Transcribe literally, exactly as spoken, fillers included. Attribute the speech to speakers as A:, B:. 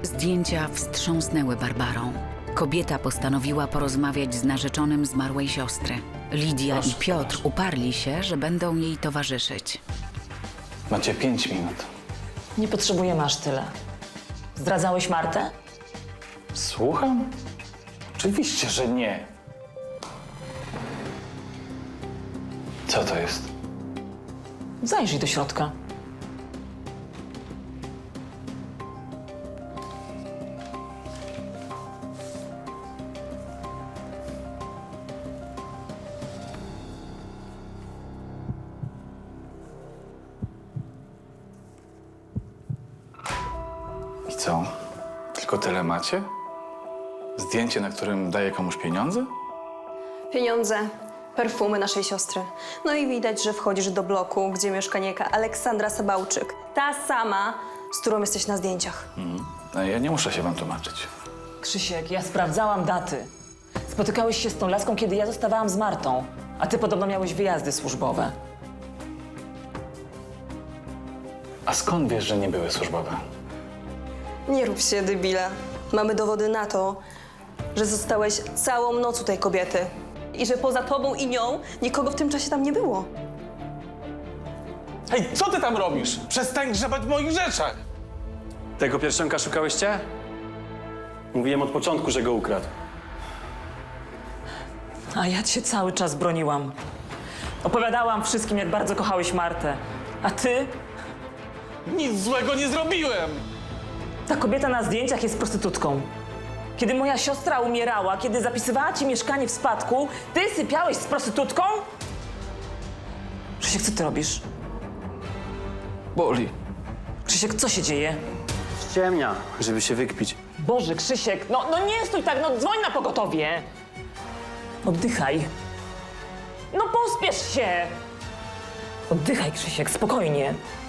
A: Zdjęcia wstrząsnęły Barbarą. Kobieta postanowiła porozmawiać z narzeczonym zmarłej siostry. Lidia
B: Proszę,
A: i Piotr
B: proszę.
A: uparli się, że będą jej towarzyszyć.
B: Macie pięć minut.
C: Nie potrzebujemy aż tyle. Zdradzałeś Martę?
B: Słucham? Oczywiście, że nie. Co to jest?
C: Zajrzyj do środka.
B: I co? Tylko tyle macie? Zdjęcie, na którym daję komuś pieniądze?
D: Pieniądze, perfumy naszej siostry. No i widać, że wchodzisz do bloku, gdzie mieszka niejaka Aleksandra Sabałczyk. Ta sama, z którą jesteś na zdjęciach.
B: No, ja nie muszę się wam tłumaczyć.
C: Krzysiek, ja sprawdzałam daty. Spotykałeś się z tą laską, kiedy ja zostawałam z Martą. A ty podobno miałeś wyjazdy służbowe.
B: A skąd wiesz, że nie były służbowe?
D: Nie rób się debila. Mamy dowody na to, że zostałeś całą noc u tej kobiety. I że poza tobą i nią nikogo w tym czasie tam nie było.
E: Hej, co ty tam robisz? Przestań grzebać w moich rzeczach!
F: Tego pierścionka szukałyście? Mówiłem od początku, że go ukradł.
C: A ja cię cały czas broniłam. Opowiadałam wszystkim, jak bardzo kochałeś Martę. A ty?
E: Nic złego nie zrobiłem!
C: Ta kobieta na zdjęciach jest prostytutką. Kiedy moja siostra umierała, kiedy zapisywała ci mieszkanie w spadku, ty sypiałeś z prostytutką? Krzysiek, co ty robisz?
E: Boli.
C: Krzysiek, co się dzieje?
F: Ściemnia, żeby się wykpić.
C: Boże, Krzysiek, no, no nie stój tak, no dzwoń na pogotowie. Oddychaj. No pospiesz się. Oddychaj, Krzysiek, spokojnie.